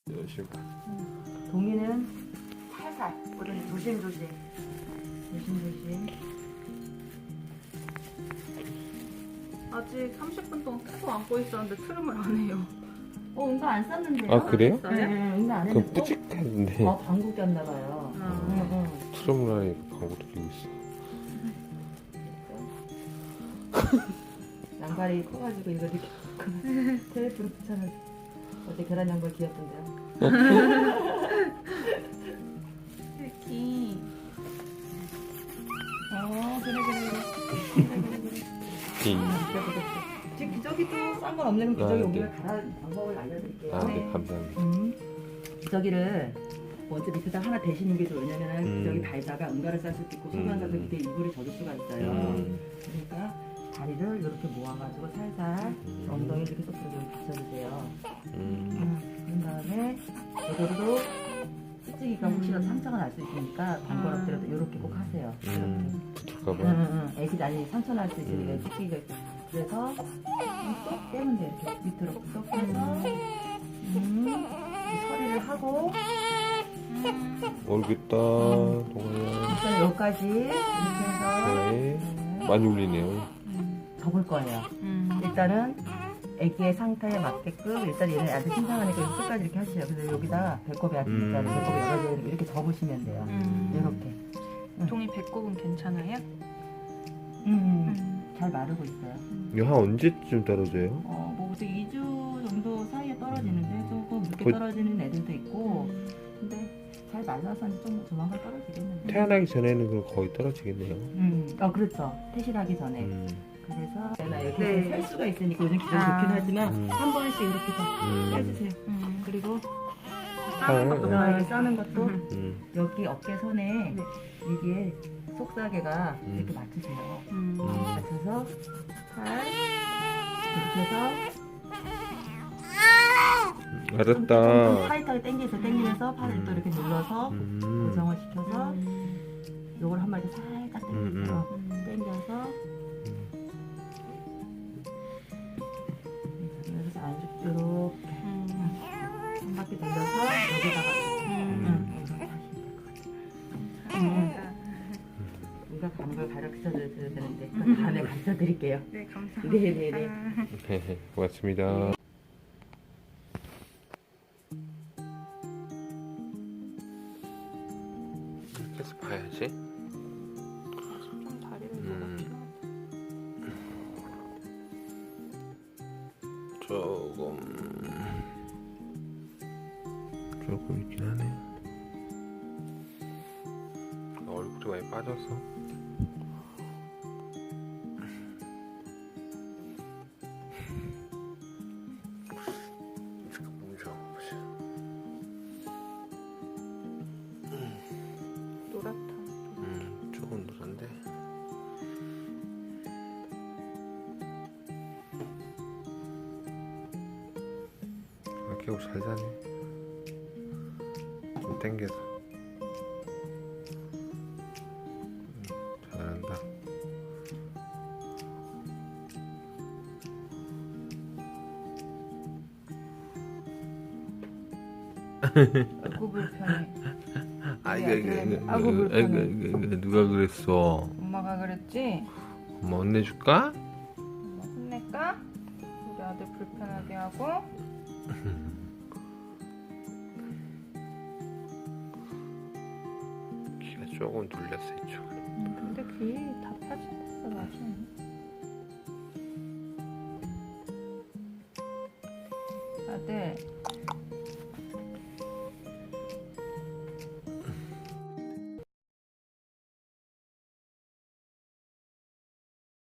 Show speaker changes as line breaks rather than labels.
열심히.
동이는 살살, 우리는 조심조심. 조심조심.
아직 30분 동안 계속 안고 있었는데 트름을 안 해요.
응가 안 쌌는데요?
아 그래요?
네, 응가 안
그럼
했고.
뿌직했는데
방구 꼈나봐요.
트럼을 하니까 방구도 끼고 있어.
양발이 커가지고 이거 이렇게 테이프로 붙여놓은 어제 계란 양발 귀엽던데요?
새끼.
그래.
이.
지금 기저귀 또 싼 건 없는 기저귀
네.
오기를 갈아는 방법을 알려드릴게요.
아, 네, 감사합니다.
기저귀를 먼저 밑에다 하나 대시는 게 좋아요. 왜냐면 기저귀
음.
달다가 응가를 쌀 수도 있고 소변 가서 그때 이불이 젖을 수가 있어요. 그러니까 다리를 이렇게 모아가지고 살살 엉덩이 이렇게 똑바로 좀 받쳐주세요. 그런 다음에 저절로 찌찌기가 혹시라도 상처가 날 수 있으니까 번거롭더라도 이렇게 꼭 하세요.
붙을까봐.
애기 아니 상처 날 수 있으니까 찌찌기가 있어. 그래서 쏙 떼면 돼. 이렇게 밑으로 쏙 빼서 처리를 하고
모르겠다. 동아야.
일단 여기까지 이렇게 해서
네. 많이 울리네요.
접을 거예요. 일단은 애기의 상태에 맞게끔 일단 얘는 아직 신장하니까 끝까지 이렇게 하시죠. 그래서 여기다 배꼽이 아직 있잖아요. 배꼽이 열어져 있는 거 이렇게 접으시면 돼요. 이렇게.
종이 배꼽은 괜찮아요?
잘 마르고 있어요.
이거 한 언제쯤 떨어져요?
뭐 2주 정도 사이에 떨어지는데 조금 늦게
거의-
떨어지는 애들도 있고 근데 잘 말라서 좀 조만간 떨어지겠는데.
태어나기 전에는 그럼 거의 떨어지겠네요.
그렇죠. 퇴실하기 전에. 그래서 제가 이렇게
네.
셀 수가 있으니까 요즘 기존 좋긴 하지만 한 번씩 이렇게 좀 빼주세요. 그리고
싸는 것도
이렇게
봐요.
싸는 것도 여기 어깨 선에
네.
이게 속사계가 이렇게 맞추세요. 맞춰서 팔 이렇게 해서 좀
알았다.
타이트하게 당기면서 팔을 또 이렇게 눌러서 고정을 시켜서 요걸 한 마디 살짝 당겨서 그래서 이렇게 한 바퀴 돌려서 여기다가 우리가 가는 걸 가르쳐 드려야 되는데 그 다음에 가르쳐 드릴게요.
네, 감사합니다.
네네네.
고맙습니다. 이렇게 해서 봐야지.
좀 다리를
조금 있긴 하네. 얼굴이 많이 빠져서. 잠깐 몸 잡아보자.
노랗다.
조금 노란데. 개고 잘 자네. 좀 땡겨서. 잘한다.
아이고 불편해.
아이고 불편해. 누가 그랬어?
엄마가 그랬지?
엄마 혼내줄까?
엄마 혼낼까? 우리 아들 불편하게 하고.
귀가 조금 눌렸어 이쪽.
근데 귀 다 빠진다 나중에. 아들